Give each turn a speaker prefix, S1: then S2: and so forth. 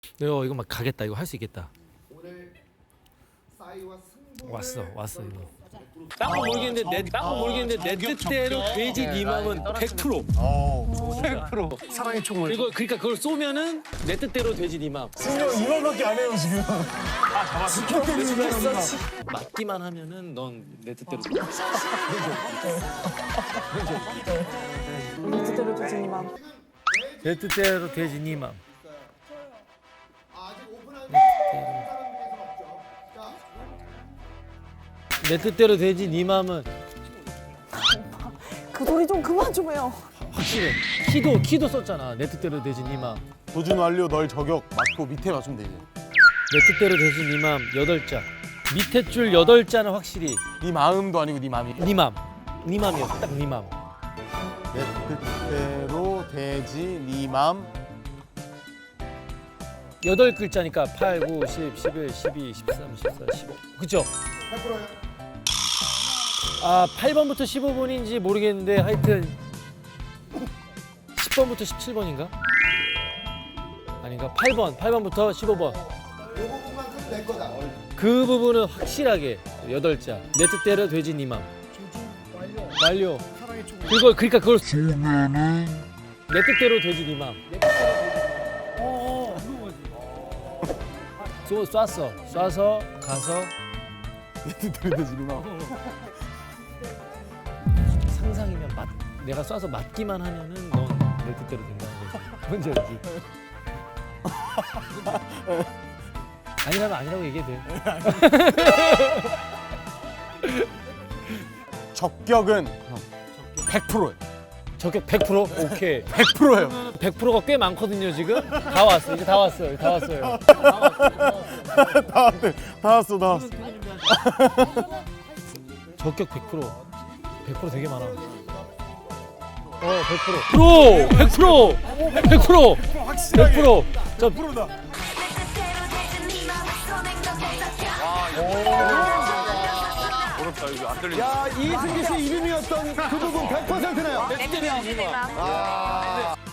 S1: 이거 막 가겠다. 이거 할 수 있겠다.
S2: 오늘 싸이와 승부
S1: 왔어 이거. 딴거 모르겠는데 내 뜻대로 돼지 네 맘은 100%.
S3: 100%. 사랑의 총을.
S1: 그러니까 그걸 쏘면은 내 뜻대로 돼지 네 맘.
S3: 승려 이말밖에 안 해요 지금.
S1: 맞기만 하면은 넌 내 뜻대로.
S4: 내 뜻대로 되지 니 맘.
S1: 내 뜻대로 돼지 네 맘.
S2: 아직 오픈한 사람 중에서 없죠. 자,
S1: 내 뜻대로 돼지 네 맘은
S4: 그 소리 좀 그만 좀 해요.
S1: 확실해. 키도 썼잖아. 내 뜻대로 돼지 네 맘.
S3: 도준 완료 널 저격 맞고 밑에 맞추면 되지.
S1: 내 뜻대로 돼지 네 맘 8자. 밑에 줄 8자는 확실히
S3: 네 마음도 아니고 네 맘이.
S1: 네 맘. 네 맘이었어. 딱 네 맘.
S3: 내 뜻대로 되지 네 맘.
S1: 8글자니까 8, 9, 10, 11, 12, 13, 14, 15. 그죠?
S2: 100%요.
S1: 아, 8번부터 15번인지 모르겠는데 하여튼 10번부터 17번인가? 아닌가? 8번부터 15번.
S2: 이 부분만큼 내 거다.
S1: 그 부분은 확실하게 8자. 내 뜻대로 되지 네 맘. 완료. 그러니까 그걸 쏘면은 내 뜻대로 되지 네 맘. 쏴서 가서
S3: 내 뜻대로 되지 네 맘.
S1: 상상이면 내가 쏴서 맞기만 하면은 넌 내 뜻대로 된다는 거지. 뭔지 알지? 아니라면 아니라고 얘기해도 돼.
S3: 적격은 100%예요.
S1: 저격 100%? 오케이.
S3: 100%예요.
S1: 100%가 꽤 많거든요 지금. 다 왔어. 이제 다 왔어요.
S3: 다 왔어.
S1: 저격 100%. 100% 되게 많아. 100%. 100%. 100%. 저
S3: 100%다.
S5: 어렵다 이거 안 들리네.
S3: 야 이승기 씨 이름이었던 그 부분 100%네요.
S4: 내 뜻대로 되지 니 맘.